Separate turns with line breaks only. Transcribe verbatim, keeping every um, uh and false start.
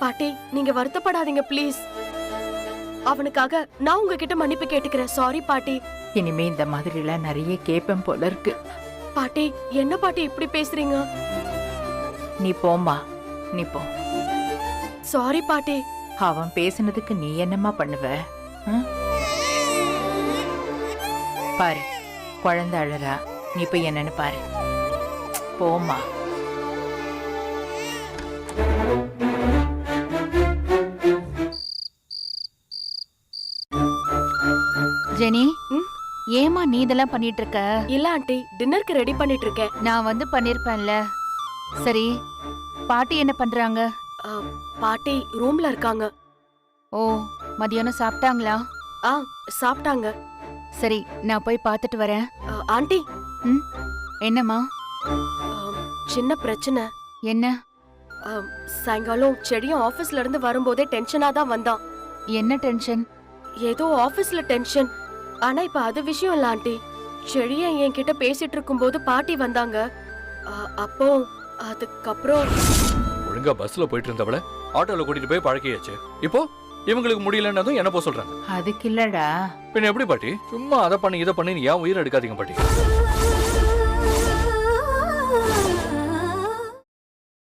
பாட்டி நீங்க வருத்தப்படாதீங்க ப்ளீஸ். அவனுக்காக நான் உங்ககிட்ட மன்னிப்பு கேட்டுக்கிறேன். சாரி பாட்டி.
இனிமே இந்த மாதிரி எல்லாம் நிறைய கேப்பம் போல இருக்கு.
பாட்டி என்ன பாட்டி இப்படி பேசுறீங்க?
நீ போம்மா, நீ போ.
சாரி பாட்டி.
அவன் பேசுனதுக்கு நீ என்னம்மா பண்ணுவ? ம்? பாரு, குழந்தை அழறா, நீ போய் என்னன்னு பாரு. போம்மா.
ஜெனி,
ம்?
ஏமா நீ இதெல்லாம் பண்ணிட்டு இருக்க?
இல்ல ஆண்டி, டின்னருக்கு ரெடி பண்ணிட்டு இருக்கேன்.
நான் வந்து பண்ணிருப்பேன்ல. சரி, பாட்டி என்ன பண்றாங்க?
ஆ, பாட்டி ரூம்ல இருக்காங்க.
ஓ, மதியானம் சாப்பிட்டாங்களா?
ஆ சாப்பிட்டாங்க.
சரி, நான் போய் பார்த்துட்டு வரேன்.
ஆ, ஆண்டி.
ம், என்னம்மா?
ஆ, சின்ன பிரச்சனை.
என்ன?
ஆ, சாயங்காலம் செடியும் ஆபீஸ்ல இருந்து வரும்போதே டென்ஷனா தான் வந்தான்.
என்ன டென்ஷன்?
ஏதோ ஆபீஸ்ல டென்ஷன். ஆனா இப்ப அது விஷயம் இல்ல ஆண்டி. செடிய என்கிட்ட பேசிட்டு இருக்கும்போது பாட்டி வந்தாங்க. ஆ, அப்போ அதுக்கப்புறம்
ஒழுங்கா பஸ்ல போயிட்டு இருந்தவள ஆட்டோல கூட்டிட்டு போய் பழக்கியாச்சு. இப்போ இவங்களுக்கு முடியலன்னதும் என்ன போ சொல்றாங்க.
அதுக்கு இல்லடா.
பின்ன எப்படி பாட்டி? சும்மா அதை பண்ணி இதை பண்ணி ஏன் உயிரை எடுக்காதீங்க பாட்டி.